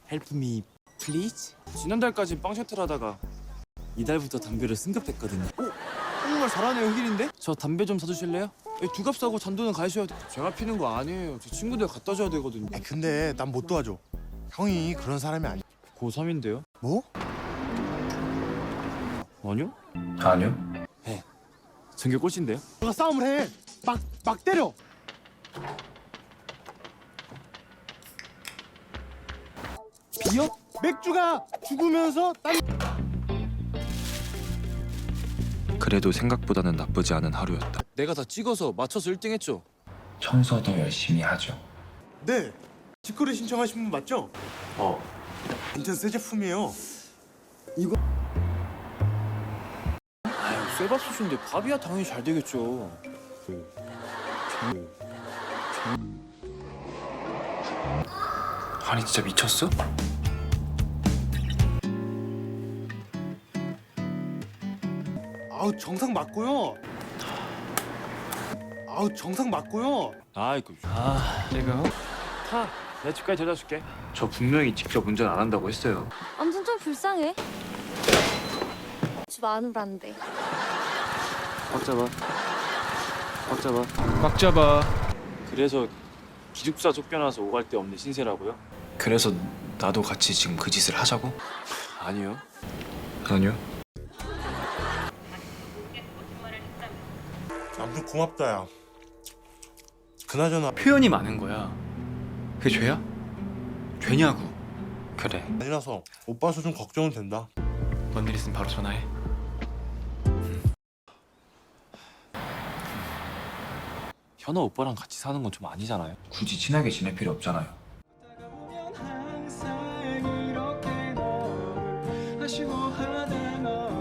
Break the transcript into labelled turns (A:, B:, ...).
A: Help me, please? 지난달까지 빵 셔틀 하다가 이달부터 담배를 승급했거든요. 오, 정말 잘하네요, 흑일인데? 저 담배 좀 사주실래요? 두 값 사고 잔돈은 가셔야 돼. 제가 피는 거 아니에요. 제 친구들 갖다 줘야 되거든요.
B: 근데 난 못 도와줘. 형이 그런 사람이 아니야.
A: 고3인데요?
B: 뭐?
A: 아니요?
C: 아니요.
A: 네. 전교 꼴찌인데요?
B: 너가 싸움을 해. 막 때려.
A: 비요?
B: 맥주가 죽으면서 딴.
C: 그래도 생각보다는 나쁘지 않은 하루였다.
A: 내가 다 찍어서 맞춰서 1등 했죠?
C: 청소도 열심히 하죠.
B: 네. 직거래 신청하신 분 맞죠? 완전 새 제품이에요.
A: 아유, 쇠밥솥인데 밥이야 당연히 잘 되겠죠.
C: 아니 진짜 미쳤어?
B: 아우 정상 맞고요.
A: 아이고. 내가 타. 내 집까지 데려다 줄게.
C: 저 분명히 직접 운전 안 한다고 했어요.
D: 아무튼 좀 불쌍해. 집 안으란데.
A: 꽉 잡아. 꽉 잡아.
C: 꽉 잡아.
A: 그래서 기숙사 쫓겨나서 오갈 데 없는 신세라고요?
C: 그래서 나도 같이 지금 그 짓을 하자고?
A: 아니요.
C: 아니요.
B: 남들 고맙다 야. 그나저나
E: 표현이 많은 거야. 그게 죄야? 죄냐고.
C: 그래.
B: 아니라서 오빠서 좀 걱정은 된다.
E: 뭔 일 있으면 바로 전화해.
A: 현아 오빠랑 같이 사는 건 좀 아니잖아요.
C: 굳이 친하게 지낼 필요 없잖아요.
E: 항상 이렇게 너를 아쉬워하다가